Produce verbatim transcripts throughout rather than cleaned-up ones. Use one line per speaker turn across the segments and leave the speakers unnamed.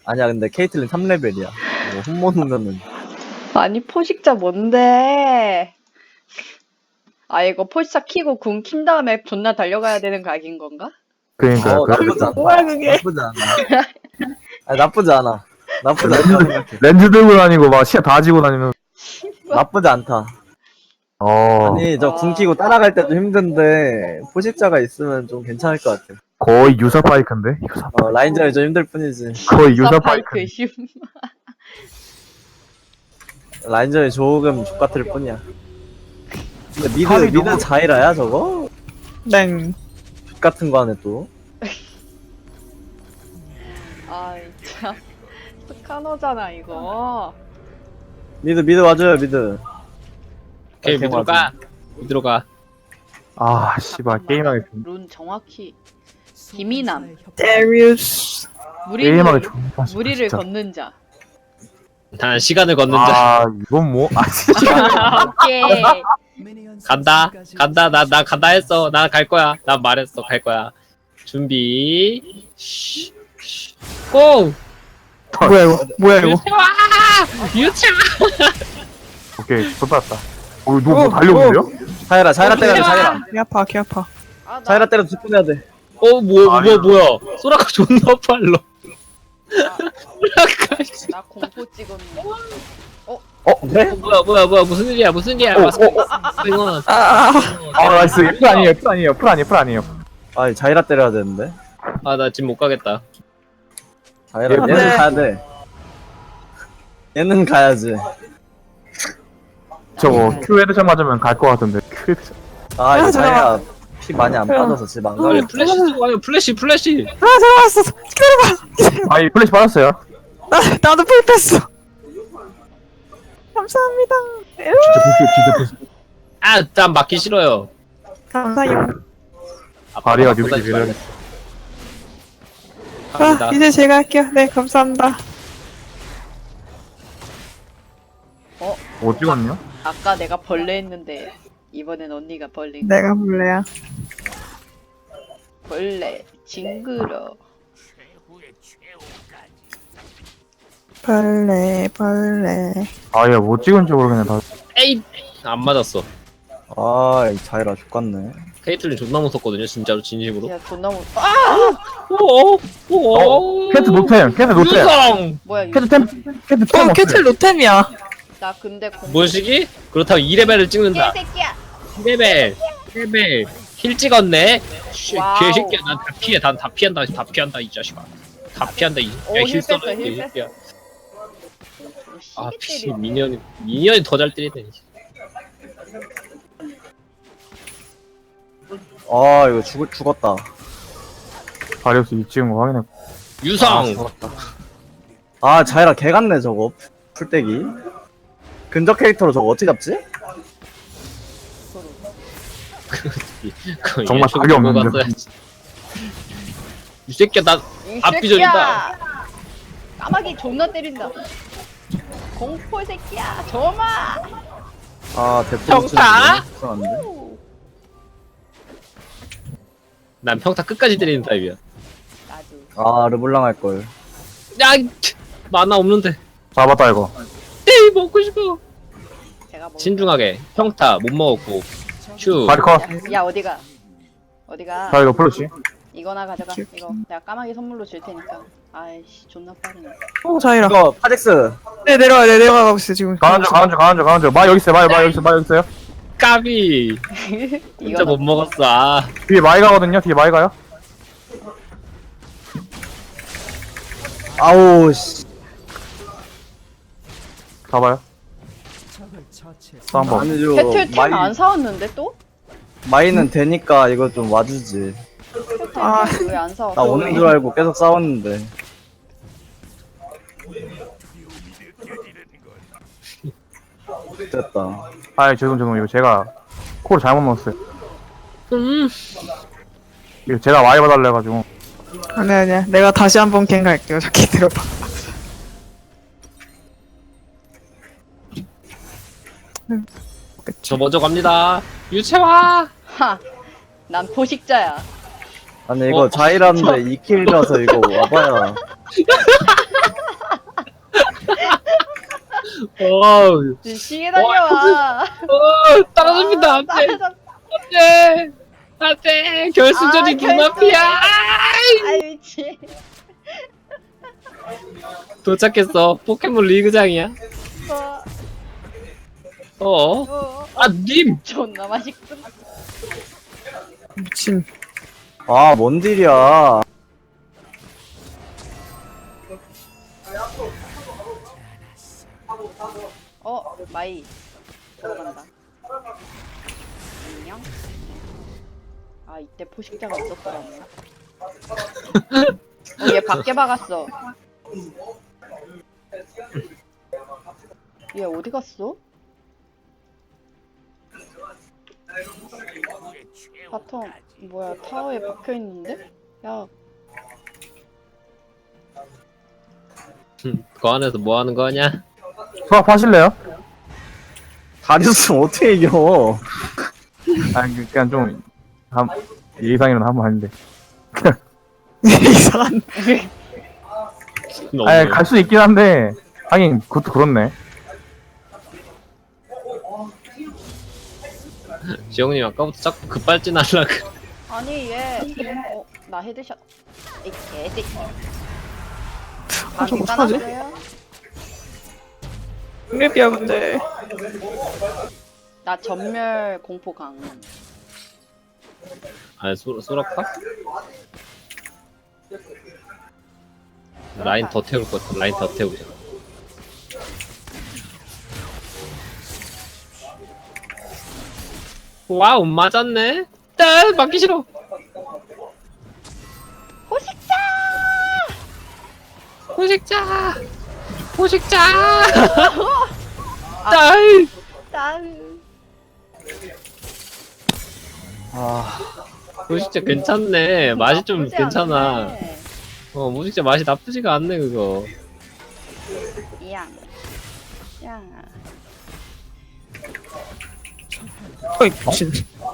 아니야 근데 케이틀린 삼 레벨이야. 뭐 홈모는면은
아니 포식자 뭔데? 아 이거 포식자 키고 궁 킨 다음에 존나 달려가야 되는 각인 건가?
그러니까
어
그
나쁘지 않다.
뭐야, 그게?
나쁘지 않아. 아니, 나쁘지 않아. 나쁘지 않다 생각해.
렌즈 들고 다니고 막 시야 다 지고 다니면
나쁘지 않다.
어
아니 저 궁 키고 따라갈 때도 힘든데 포식자가 있으면 좀 괜찮을 것 같아.
거의 유사 파이크인데 유사
어 라인전이 좀 힘들 뿐이지.
거의 유사 파이크.
파이크 심.
라인전이 조금 족같을 뿐이야. 근데 미드
탑이
미드
너무-
자이라야 저거?
땡.
족같은 거 하네 또.
아 진짜 스카너잖아 이거.
미드 미드 와줘요 미드.
오케이
오케이,
밑으로 가 밑으로 가
아 씨발 게임하기 좀
룬 정확히 김이남
데리우스.
무리를
게임하기 좋다
무리를 걷는 자.
단 시간을 걷는 자
아 이건 뭐아 진짜
오케이.
간다 간다 나 나 간다 했어 나 갈 거야 나 말했어 갈 거야 준비 쉬, 쉬. 고!
뭐야 이거? 뭐야 이거?
유채화 유채화
오케이 좋았다 어 누가 뭐 달려오는데요?
자이라 자이라 때려야 돼 자이라.
개 아파 개 아파.
아, 나
자이라 때려 직분해야 돼.
어 뭐야
아니야.
뭐야 뭐야 소라카 존나 빨라 소라카 씨.
나 공포 찍었네.
어 그래?
뭐야 뭐야 뭐야 무슨 일이야 무슨 일이야
어,
와서 이건
아,
아 나이스 풀 아니에요 풀 아니에요 풀 아니에요 풀 아니에요
아니 자이라 때려야 되는데.
아나 지금 못 가겠다
자이라
안
얘는
돼.
가야 돼. 얘는 가야지.
저거 큐 헤드샷 맞으면 갈 것 같은데 큐 헤드샷
아 이거
아,
자이라 피 많이 안 빠져서 지금 안
빨리
가려.
플래시 쓰고 가요 플래시 플래시
아 들어왔어. 기다려봐.
아이 플래시 받았어요
나 나도 풀 뺐어. 감사합니다.
진짜 볼게요 진짜 볼게요
아난 맞기 싫어요
감사해요.
다리가
아프다,
뉴비 밀어야
갑니다
아 이제 제가 할게요. 네 감사합니다.
뭐 찍었냐?
아까 내가 벌레 했는데 이번엔 언니가 벌레.
내가 볼래야.
벌레 징그러.
벌레 벌레.
아얘 뭐 찍은지 모르겠네 다
에이 안 맞았어
아이 자이라 족같네.
케이틀린 존나 무섭거든요 진짜로 진심으로
야 존나 무. 아
오오
어? 캐트 노템 캐트 노템
유성
뭐야 이거.
캐트 템 캐트 템
어 캐틀 로템이야.
나 근데 공포.
뭐시기? 그렇다고 이 레벨을 찍는다
개새끼야.
이 레벨 이 레벨 힐 찍었네 씨,
와우.
개새끼야 난 다 피해 난 다 피한다 다 피한다 이 자식아 다 피한다 이
오,
야,
힐
힐 써라
뺐어, 힐
이 새끼야 아
시기
피
때리네.
미니언이 미니언이 더 잘 때리네
아 이거 죽 죽었다.
다리우스 이 찍은 거 확인해
아,
유성
죽었다. 아 자이라 개 같네 저거 풀떼기. 근접 캐릭터로 저거 어떻게 잡지?
그거
정말
예측을
답이
보고
없는데.
갔어야지. 이 새끼야 나
이
앞비전이다.
새끼야. 까마귀 존나 때린다. 공포 새끼야. 점아.
아 대포
평타?
불안한데.
난 평타 끝까지 때리는 타입이야
나도.
아 르블랑 할 걸.
야 만화 없는데
잡았다 이거
에이 먹고 싶어
제가 뭐.
신중하게 평타 못 먹었고 슈
다리 컷
야 어디가? 어디가?
자 이거 플러시
이거나 가져가. 이거 내가 까마귀 선물로 줄 테니까. 아이씨 존나 빠르네.
어 자이라.
이거 파젝스.
네 내려와 네 내려가고 있어 지금.
가는 중 가는 중 가는 중 가는 중마 여기 있어요 마, 마 여기 있어요 마 여기 있어요
까비 진짜 못 먹었어 아
뒤에 마이 가거든요 뒤에 마이 가요
아우 씨.
가봐요 싸움 봐
아니죠.
배틀 템
마이
안 사왔는데 또?
마이는 되니까 이거 좀 와주지.
아.
배틀 왜안 사왔어?
나 오는 줄 알고 계속 싸웠는데. 됐다.
아 죄송 죄송 이거 제가 콜 잘못 넣었어요
음.
이거 제가 마이 봐달래 가지고
아니야 아니야. 내가 다시 한번 갱 갈게요. 저기 들어봐.
저 먼저 갑니다 유채화
하. 난 포식자야.
아니 이거
어?
자이라인데 이 킬이라서 이거 와봐야
어우,
시계 달려와.
어, 떨어집니다.
아,
안 돼.
따라잡-
안 돼. 안 돼. 결승전이
아,
눈앞이야.
아이 미치.
도착했어. 포켓몬 리그장이야.
어,
어?
어,
아, 님!
존나 맛있군.
미친.
아, 뭔 딜이야.
어, 마이 들어간다. 안녕. 아, 이때 포식자가 있었더라네. 어, 얘 밖에 박았어. 얘 어디 갔어? 바텀 뭐야 타워에 박혀 있는데? 야,
그 안에서 뭐 하는 거냐?
수업 하실래요?
다리우스 어떻게 이겨?
아니 그냥 좀 한, 예상이라도 한번 하는데
이상한.
너무.
아니 갈 수 있긴 한데 하긴 그것도 그렇네.
지영님 아까부터 자꾸 급발진 하려고.
아니 얘 어, 나 헤드샷. 이 개새끼.
아, 저거
방이
어떡하지?
까놨어요?
랩이야 근데.
나 전멸 공포 강.
아, 소, 소라카? 라인 더 태울 것 같아. 라인 더 태우자. 와우, 맞았네? 딱 맞기 싫어.
포식자!
포식자! 포식자! 딸!
짠.
아,
포식자 괜찮네. 맛이 좀
나쁘지
괜찮아.
않네.
어, 포식자 맛이 나쁘지가 않네, 그거.
이양. 양.
어이 미친.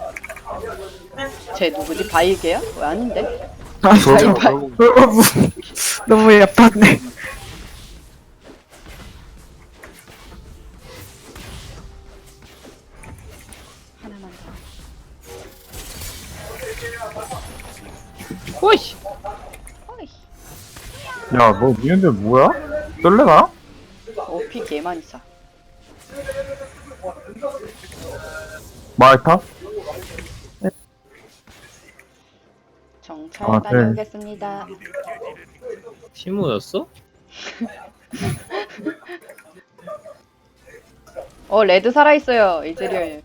쟤 누구지? 바이게야? 왜 아닌데?
아,
그렇죠.
바이-
결국
너무 너무 예뻤네.
하나만 더.
오이!
어이.
야너 미는데 뭐야? 떨래나?
오피 개 많이 싸.
마이타?
정찰
아, 네.
다녀오겠습니다.
티모였어?
어, 레드 살아있어요, 이즈리얼.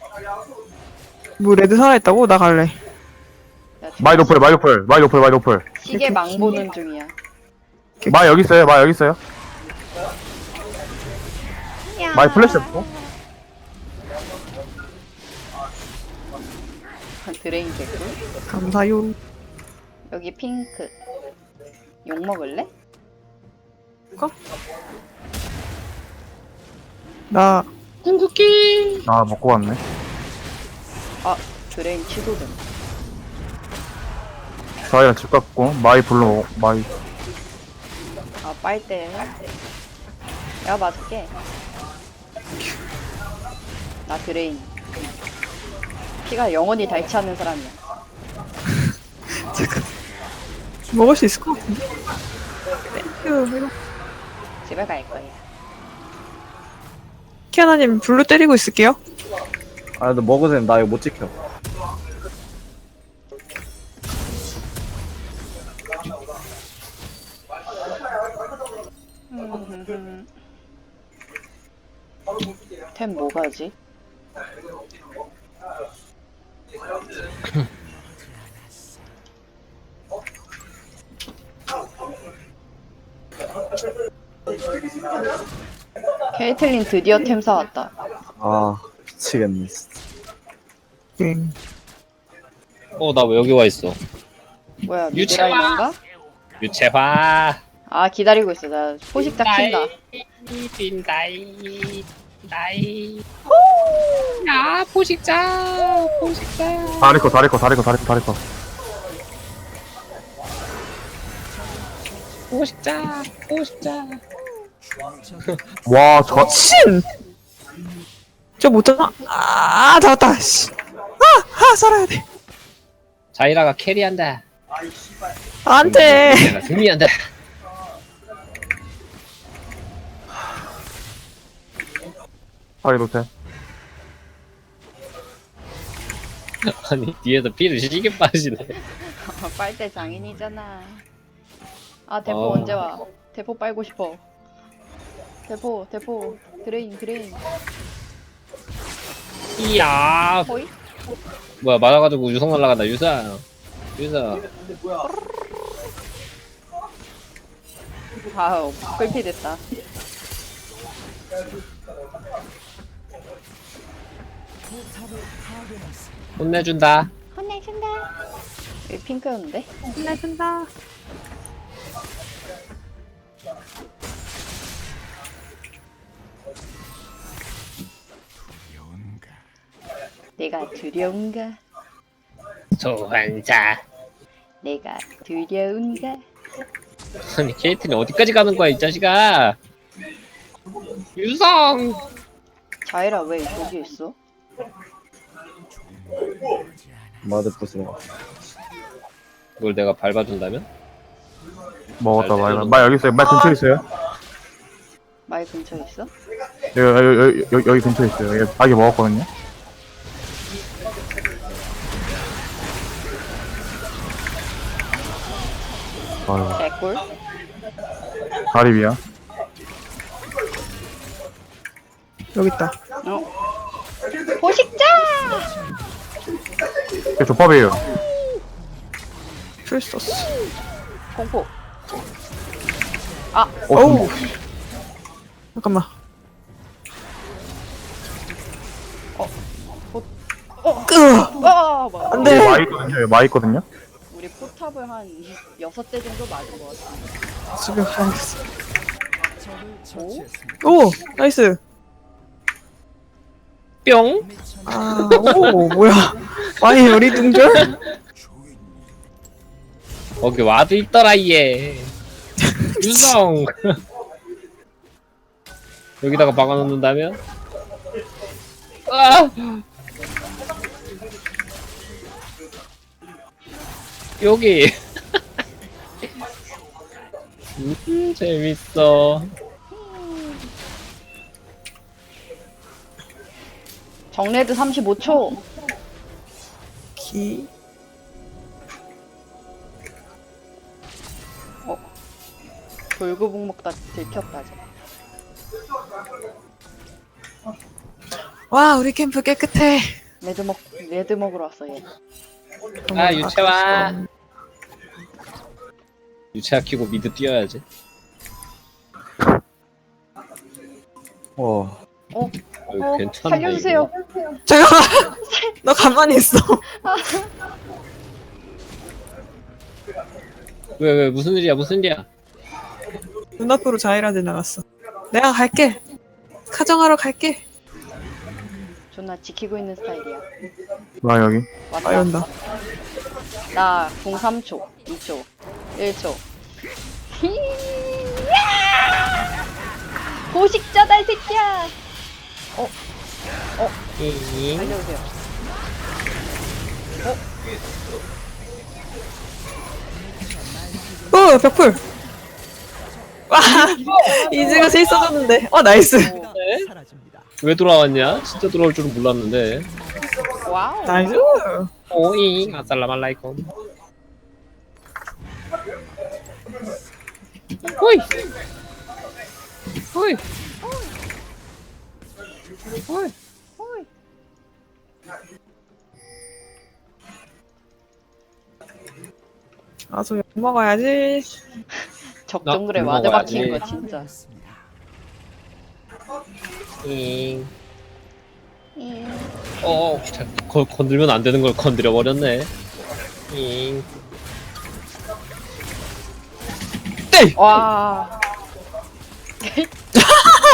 뭐 레드 살아있다고? 나 갈래.
야,
마이 노플 마이 노플 마이 노플 마이 노플
시계 망 보는 중이야.
마이 여기 있어요 마이 여기 있어요 마이 플래시 없어?
드레인 개꿀.
감사요.
여기 핑크. 욕 먹을래?
나
궁극기!
아 먹고 왔네.
아, 드레인 취소됨.
저희랑 집 갔고 마이 불러 마이
아, 빨대. 내가 맞을게. 나 드레인. 피가 영원히 닳지 않는 사람이야.
잠깐. 먹을 수 있을 것 같은데. 땡큐.
집에 갈 거야.
키아나님 블루 때리고 있을게요.
아, 너 먹으세요. 나 이거 못 지켜.
템 뭐가지? 케이틀린 드디어 템 사왔다.
아, 미치겠네. 진짜.
응.
어, 나 왜 여기 와 있어?
뭐야,
유채화!
미드라이너인가?
유채화!
아, 기다리고 있어. 나 포식자 킨다.
빈다이, 나이. 야, 포식자! 포식자!
다리코 다리코 다리코 다리코 다리코
포식자! 포식자!
와, 저,
신! 저못 잡아? 아, 잡았다. 씨. 아, 아, 살아야 돼.
자이라가 캐리한다.
안 돼.
내가 승리한다.
파리 노텔.
아니 뒤에서 피를 시게 빠지네.
빨대 장인이잖아. 아 대포
어.
언제 와? 대포 빨고 싶어. 대포 대포 드레인 드레인.
이야.
호이?
뭐야 맞아가지고 유성 날라간다. 유성. 유성.
아우 끌피 됐다.
혼내준다.
혼내준다. 여기 핑크였는데?
끝내준다.
내가 두려운가?
소환사.
내가 두려운가?
아니 케이트는 어디까지 가는 거야 이 자식아. 유성.
자이라 왜 저기 있어?
마드 부수는 거.
이걸 내가 밟아준다면?
먹었다,
잘
말. 말 여기 있어요. 말 근처에 있어요.
마이 근처에 있어?
여기, 여기, 여기, 여기, 여기 근처에 있어요. 여기 아기 먹었거든요. 아유,
개꿀?
다리비야.
여기 있다.
어? 포식자!
이게 조밥이에요.
풀소스.
공포.
어,
어우. 잠깐만.
어,
끄!
아, 뭐.
안
여기
돼.
마 있거든요. 여기 마 있거든요.
우리 포탑을 한 여섯 대 정도 맞은 것 같아.
집에 가야겠어.
오?
오! 나이스.
뿅.
아, 오, 뭐야. 많이 요리둥절?
거기 와도 있더라 얘. 유성. 여기다가 박아놓는다면? 아! 여기. 음, 재밌어.
정레드 삼십오 초.
기.
돌구북 먹다 들켰다. 쟤.
와, 우리 캠프 깨끗해.
레드 먹 레드 먹으러 왔어 얘.
아, 유채화. 유채화 키고 미드 뛰어야지.
어.
어?
어,
어?
괜찮네.
살려주세요.
이거.
잠깐만. 너 가만히 있어.
왜, 왜, 무슨 일이야, 무슨 일이야?
눈앞으로 자이라 지나갔어. 내가 갈게. 카정하러 갈게.
존나 지키고 있는 스타일이야.
마 여기.
아,
왔다.
연다.
나궁 삼 초, 이 초, 일 초. 히야! 보식자다 이 새끼야. 어? 어?
잉.
알려주세요.
오, 벽풀. 와, 이즈가 제일 써줬는데. 어, 나이스.
오,
왜 돌아왔냐? 진짜 돌아올 줄은 몰랐는데.
와우.
나이스.
오잉, 아살라말라이콤. 호이! 호이! 호이!
호이.
아, 저욕 먹어야지.
적정글에
나
와드
먹어야지.
박힌 거 진짜.
잉.
잉.
어, 자, 거, 건들면 안 되는 걸 건드려 버렸네. 잉.
와.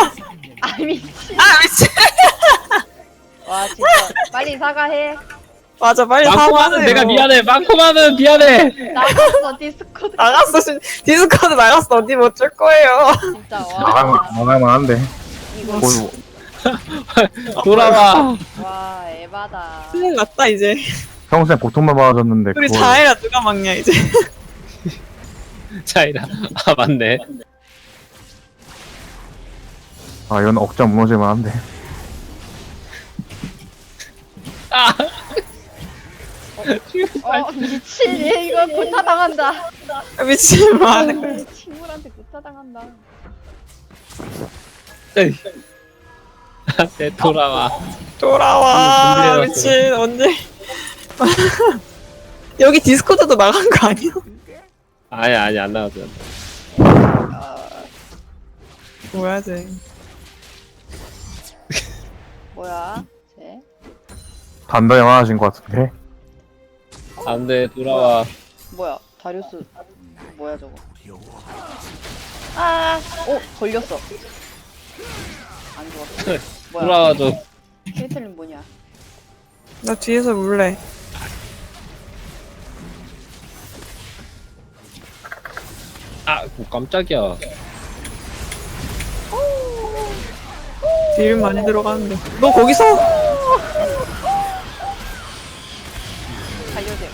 아 미친.
아, 미친.
와 진짜 빨리 사과해.
맞아, 빨리
망코마는
사과하세요.
내가 미안해. 망코마는 미안해.
나갔어 디스코드.
나갔어, 진- 디스코드 나갔어. 어디 못 줄 거예요.
진짜
나가면
와.
나가면 한데.
이거
뭐,
돌아와.
와 에바다.
큰일 났다, 이제.
평소에 고통만 받아줬는데
우리
그걸
자해라 누가 막냐, 이제.
자이라. 아 맞네.
아 이건 억장 무너질만 한데.
아.
어 미친 얘 이거 구타 당한다.
미친, 뭐 하는 거야.
친구한테 구타 당한다.
에이. 내 돌아와.
돌아와.
음,
미친, 언제. 여기 디스코드도 나간 거 아니야?
아니 아니 안 나왔어.
뭐야, 쟤.
뭐야 쟤?
단단히 화나신 것 같은데.
안돼 돌아와.
뭐야 다리우스 뭐야 저거? 아, 오 걸렸어. 안 좋았어. 뭐야?
돌아와줘.
케이틀린 뭐냐?
나 뒤에서 물래.
아 뭐 깜짝이야.
딜 많이 들어가는데. 너 거기서?
살려주세요.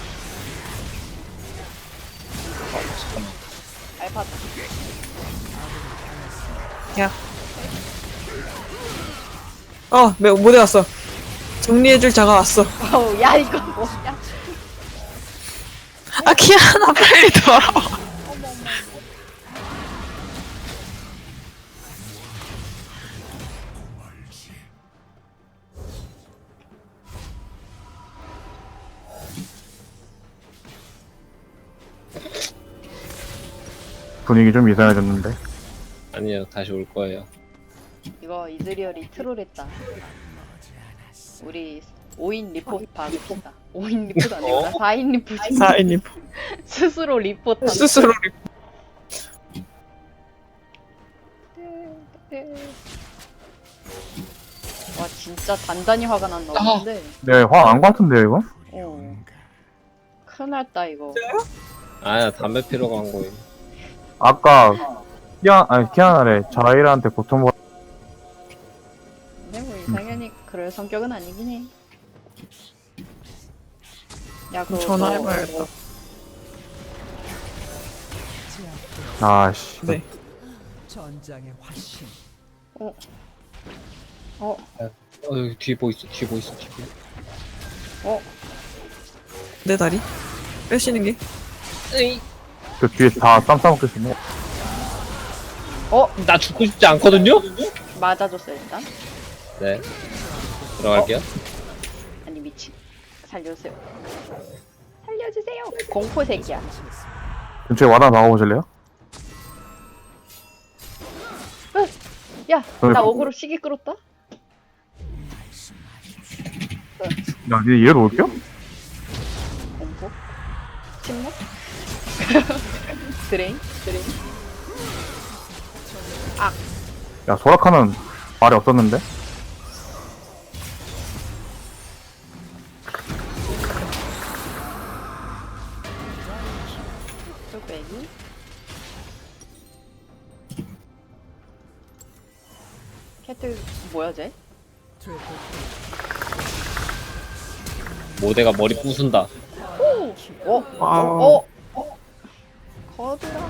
알파.
야. 어, 매- 못 외웠어. 정리해줄 자가 왔어.
어우 야 이거 뭐야?
아, 키아나, 빨리 돌아와.
분위기 좀 이상해졌는데.
아니요 다시 올 거예요.
이거 이즈리얼이 트롤했다. 우리 오 인 리포트 받읍시다. 오 인 리포트 아니구나. 사 인 리포트.
사인님.
스스로 리포트.
스스로 리-
와 진짜 단단히 화가 났나 본데.
네, 화안 것 같은데요 이거?
어. 큰일 났다 이거.
아야 담배 피러 간 거임.
아까 키아 아니 키아나래 자이라한테 고통 받.
근데 뭐 당연히 그럴 성격은 아니긴 해. 야 그거
전화해봐야겠다.
아씨.
네.
전장의 화신.
어. 어.
어 여기 뒤에 뭐 있어 뒤에 뭐 있어 뒤에.
어.
내 다리? 빼시는 게?
그 뒤에 다 쌈 싸먹겠네.
어.
나 죽고 싶지 않거든요.
맞아줬어 일단.
네. 들어갈게요.
아니 미친. 살려주세요. 살려주세요. 공포 새끼야.
근처에 와다 나가보실래요?
야,
어,
나
어.
어그로 시기 끌었다.
야, 니 얘로 올게요?
공포. 침묵. 드레인. 드레인.
야, 소라카는 말이 없었는데?
뚝배기. 캐틀 뭐야 쟤?
모대가 머리 부순다.
오! 어?
와우.
어? 어? 거드라.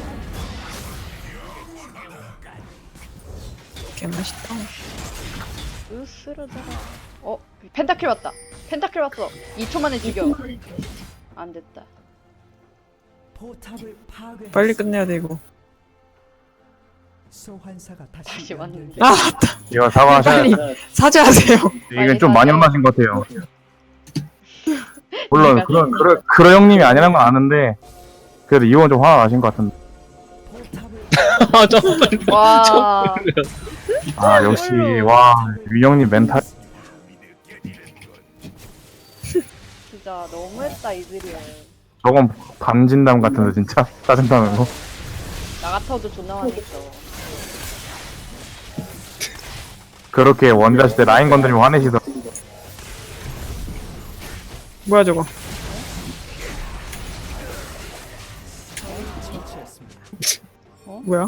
개맛있다.
으스러져라. 어? 펜타킬 왔다. 펜타킬 왔어. 이 초 만에 죽여. 안 됐다.
포탑을 파괴.
빨리 끝내야 돼, 이거.
소환사가 다시,
다시 왔는데.
아, 맞다.
이거 사과하셔야
빨리
돼.
사죄하세요.
이게 좀 많이 혼나신 것 같아요. 물론,
내가
그런, 그런, 그런 형님이 아니라는 건 아는데, 그래도 이건 좀 화가 나신 것 같은데.
포탑을
아 점프.
와.
아, 역시, 와, 위 형님 멘탈.
진짜 너무했다 이즈리얼.
저건 반진담 같은데, 진짜. 짜증나는 거.
나 같아도 존나 화냈어.
그렇게 원자시 때 라인 건드리면 화내시더.
뭐야 저거? 뭐야?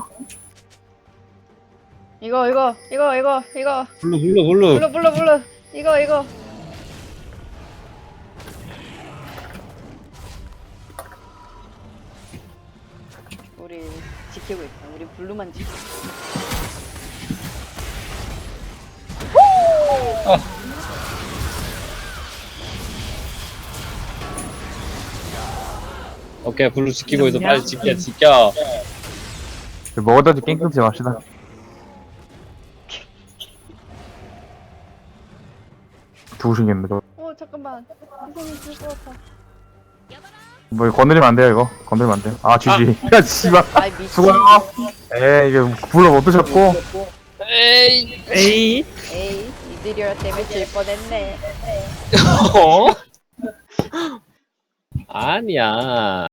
이거 이거 이거 이거 이거
블루 블루 블루.
불러 불러 불러 이거 이거 우리 지키고 있다. 우리 블루만 지키고 있다.
오케이 블루 지키고 있어. 빨리 지켜 지켜.
먹어다지 게임 끊지 맙시다. 죽으시겠네 저거.
어 잠깐만 선생님 죽을 것 같아.
뭐 이거 건드리면 안 돼요 이거. 건드리면 안 돼요. 아 지지. 야 씨발.
아이 미친.
수고해요. 에이 이게 불러 못 드셨고.
에이.
에이.
에이 이들이라 때문에 질 뻔했네.
어? 아니야.